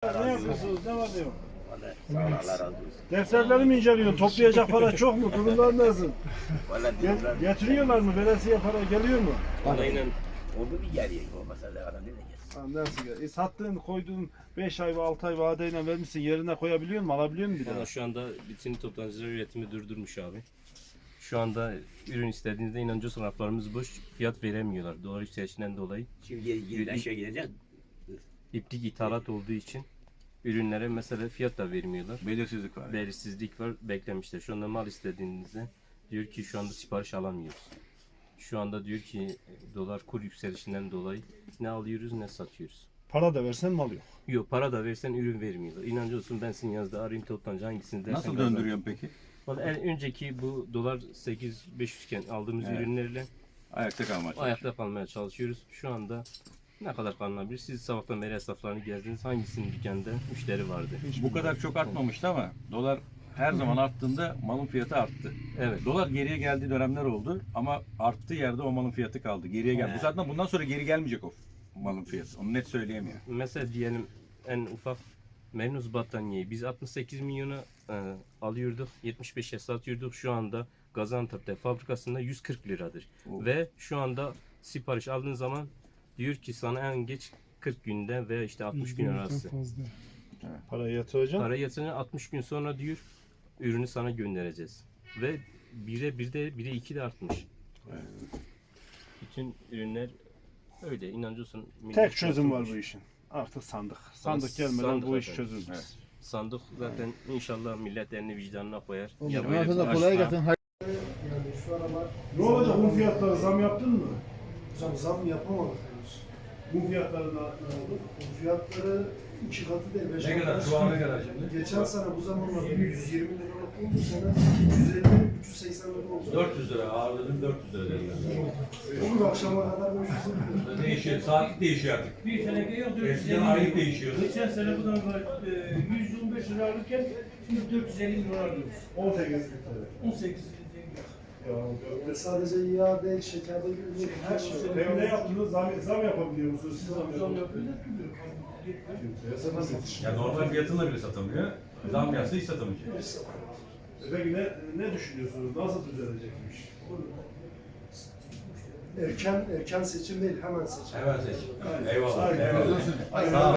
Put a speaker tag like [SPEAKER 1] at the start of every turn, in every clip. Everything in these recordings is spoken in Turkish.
[SPEAKER 1] Ne yapıyorsunuz? Ne var ne yok?
[SPEAKER 2] Vallahi sağ ol, Allah razı olsun.
[SPEAKER 1] Defterleri mi inceliyorsun? Toplayacak para çok mu? Durumlar nasıl?
[SPEAKER 2] Vallahi diyorlar.
[SPEAKER 1] Getiriyorlar mı? Veresiye para geliyor mu?
[SPEAKER 2] Vallahi oldu bir geriye olmasa da adam nereye gelsin?
[SPEAKER 1] Ha, nasıl gel? Sattığın, koyduğun 5 ay ve 6 ay vadeyle vermişsin. Yerine koyabiliyor musun? Alabiliyor musun bir daha?
[SPEAKER 3] Valla şu anda bütün toptancılar üretimi durdurmuş abi. Şu anda ürün istediğinizde inancı raflarımız boş, fiyat veremiyorlar. Dolar yükselişinden dolayı.
[SPEAKER 2] Şimdi geri aşağı gidecek.
[SPEAKER 3] İplik ithalat olduğu için ürünlere mesela fiyat da vermiyorlar.
[SPEAKER 4] Belirsizlik var.
[SPEAKER 3] Belirsizlik var, beklemişler. Şu anda mal istediğinizde diyor ki şu anda sipariş alamıyoruz. Şu anda diyor ki dolar kur yükselişinden dolayı ne alıyoruz ne satıyoruz.
[SPEAKER 1] Para da versen mal yok.
[SPEAKER 3] Yok, para da versen ürün vermiyorlar. İnancı olsun, ben sizin yazda arayayım toptancı hangisini dersen.
[SPEAKER 4] Nasıl
[SPEAKER 3] kazan.
[SPEAKER 4] döndürüyorsun peki?
[SPEAKER 3] Vallahi en önceki bu dolar 8.500 iken aldığımız
[SPEAKER 4] Evet.
[SPEAKER 3] ürünlerle
[SPEAKER 4] Ayakta kalmak.
[SPEAKER 3] ayakta kalmaya çalışıyoruz. Şu anda ne kadar kalınabilir? Siz sabahtan beri hesaplarını gezdiniz. Hangisinin dükkanda müşteri vardı?
[SPEAKER 4] Bu kadar çok artmamıştı ama dolar her zaman arttığında malın fiyatı arttı.
[SPEAKER 3] Evet.
[SPEAKER 4] Dolar geriye geldiği dönemler oldu ama arttığı yerde o malın fiyatı kaldı. Geriye geldi. Bu zaten bundan sonra geri gelmeyecek o malın fiyatı. Onu net söyleyemiyor.
[SPEAKER 3] Mesela diyelim en ufak Menuz battaniyeyi biz 68 milyona alıyorduk. 75'e satıyorduk. Şu anda Gaziantep'te fabrikasında 140 liradır.
[SPEAKER 4] Oo.
[SPEAKER 3] Ve şu anda sipariş aldığın zaman diyor ki sana en geç 40 günde ve işte 60 gün arası.
[SPEAKER 1] Parayı yatıracaksın.
[SPEAKER 3] Para yatırınca 60 gün sonra diyor ürünü sana göndereceğiz. Ve 1'e 2 de artmış. Bütün ürünler öyle, inancı olsun.
[SPEAKER 1] Tek çözüm var bu işin. Artık sandık. Sandık gelmeden
[SPEAKER 3] sandık
[SPEAKER 1] bu iş
[SPEAKER 3] efendim.
[SPEAKER 1] çözülmez.
[SPEAKER 4] Evet.
[SPEAKER 3] Sandık zaten inşallah millet elini vicdanına koyar.
[SPEAKER 5] Ya
[SPEAKER 3] böyle
[SPEAKER 5] bana da
[SPEAKER 3] bir
[SPEAKER 5] kolay
[SPEAKER 3] aşk-
[SPEAKER 5] gelsin.
[SPEAKER 1] Ne olacak bu fiyatlara zam yaptın mı?
[SPEAKER 6] Hocam zam yapamadık henüz.
[SPEAKER 1] Bu fiyatları ne oldu?
[SPEAKER 6] Bu fiyatları 2 katı değil 5
[SPEAKER 4] Ne kadar? Şu an ne kadar şimdi?
[SPEAKER 6] Geçen sene bu zamanlarda 120 liralık bu sene 350-380 lira oldu.
[SPEAKER 4] 400 lira ağırladım 400 lira dedi.
[SPEAKER 6] Bugün akşama kadar 500 lira.
[SPEAKER 4] Değişiyor. Saatlik değişiyor artık.
[SPEAKER 7] Bir seneki yok 450
[SPEAKER 4] Eskiden aylık değişiyor.
[SPEAKER 7] Geçen sene bu da 115 lira alırken şimdi 450 lira alıyoruz.
[SPEAKER 1] 18 litre.
[SPEAKER 7] 18
[SPEAKER 6] Ve sadece yağ değil, şekerde gibi her şey.
[SPEAKER 1] Peki ne yaptınız? Zam yapabiliyor musunuz? Siz zam
[SPEAKER 7] zam
[SPEAKER 1] yapabiliyor
[SPEAKER 7] yapıyorlar ki diyor.
[SPEAKER 1] musunuz?
[SPEAKER 4] Ya normal fiyatınla bile satamıyor. Zam yapsa hiç satamayacak.
[SPEAKER 1] Peki ne düşünüyorsunuz? Nasıl düzelecekmiş?
[SPEAKER 6] Erken seçim değil, hemen seçim.
[SPEAKER 4] Hemen seç. Eyvallah.
[SPEAKER 1] Aynen.
[SPEAKER 4] Eyvallah. Sağ ol.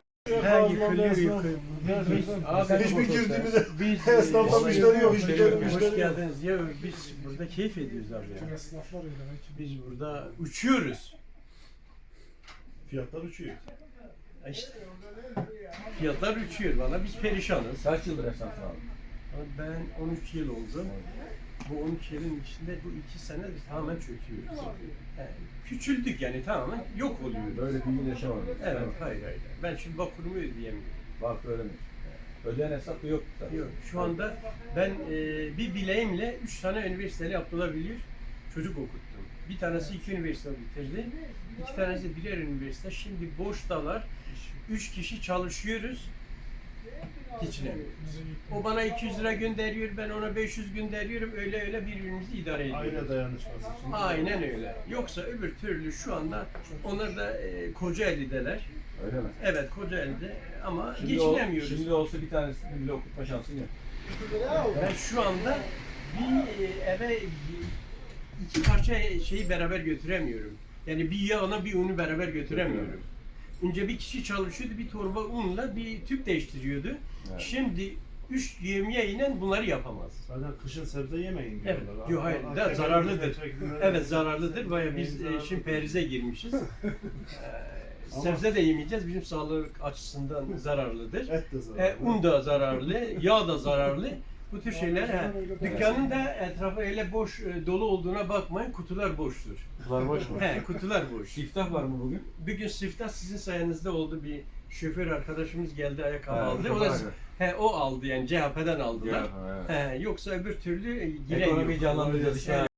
[SPEAKER 1] Hiçbir girdiğimizde
[SPEAKER 7] Biz
[SPEAKER 1] esnafta müşteri yok. Hiçbir
[SPEAKER 7] Hoş
[SPEAKER 1] müşteri yok.
[SPEAKER 7] geldiniz. Ya biz burada keyif ediyoruz abi ya. Biz burada uçuyoruz.
[SPEAKER 1] Fiyatlar uçuyor.
[SPEAKER 7] İşte fiyatlar uçuyor valla biz perişanız.
[SPEAKER 4] Kaç yıldır esnaf abi?
[SPEAKER 7] Ben 13 yıl oldu. Bu 13 yılın içinde bu 2 sene biz tamamen çöküyoruz. Yani küçüldük yani tamamen yok oluyoruz.
[SPEAKER 4] Böyle bir gün yaşamadım.
[SPEAKER 7] Evet, hayır. Ben şimdi Vakur'umu ödeyemiyorum.
[SPEAKER 4] Bak öyle mi? Ödeyen hesap da yok.
[SPEAKER 7] Yok, şu anda ben bir bileğimle 3 tane üniversiteli Abdullah Bilir çocuk okuttum. Bir tanesi 2 üniversite bitirdi. 2 tanesi birer üniversite. Şimdi boştalar. 3 kişi çalışıyoruz. Geçinemiyoruz. O bana 200 lira gönderiyor, ben ona 500 gönderiyorum. Öyle birbirimizi idare ediyoruz.
[SPEAKER 1] Aile dayanışması için.
[SPEAKER 7] Aynen öyle. Yoksa öbür türlü şu anda onlar da Kocaeli'deler.
[SPEAKER 4] Öyle mi?
[SPEAKER 7] Evet, Kocaeli'de ama
[SPEAKER 4] Şimdi
[SPEAKER 7] geçinemiyoruz.
[SPEAKER 4] Şimdi olsa bir tanesini bile okutma şansın yok.
[SPEAKER 7] Ben şu anda bir eve 2 parça şeyi beraber götüremiyorum. Yani bir yağına bir unu beraber götüremiyorum. Önce bir kişi çalışıyordu, bir torba unla bir tüp değiştiriyordu.
[SPEAKER 4] Evet.
[SPEAKER 7] Şimdi 3 yemeğiyle bunları yapamaz.
[SPEAKER 1] Zaten kışın sebze yemeyin
[SPEAKER 7] Evet.
[SPEAKER 1] diyorlar.
[SPEAKER 7] Yok hayır,
[SPEAKER 1] Akdeniz
[SPEAKER 7] zararlıdır.
[SPEAKER 1] milletvekilleri-
[SPEAKER 7] Evet zararlıdır. Baya biz
[SPEAKER 1] Zararlı.
[SPEAKER 7] şimdi perize girmişiz. Sebze de yemeyeceğiz. Bizim sağlık açısından zararlıdır.
[SPEAKER 1] Et de zararlı.
[SPEAKER 7] Un da zararlı, yağ da zararlı. Bu tür şeyler. Dükkanın da etrafı öyle boş dolu olduğuna bakmayın. Kutular boştur.
[SPEAKER 4] Kutular boş mu?
[SPEAKER 7] Kutular boş.
[SPEAKER 4] Siftah var mı bugün?
[SPEAKER 7] Bugün siftah sizin sayenizde oldu. Bir şoför arkadaşımız geldi ayakkabı
[SPEAKER 4] Evet,
[SPEAKER 7] aldı.
[SPEAKER 4] çok
[SPEAKER 7] O da
[SPEAKER 4] harika.
[SPEAKER 7] o aldı yani CHP'den aldılar.
[SPEAKER 4] Ya, evet.
[SPEAKER 7] Yoksa öbür türlü yine
[SPEAKER 4] Ekonomiyi
[SPEAKER 7] yok.
[SPEAKER 4] canlandıracağız.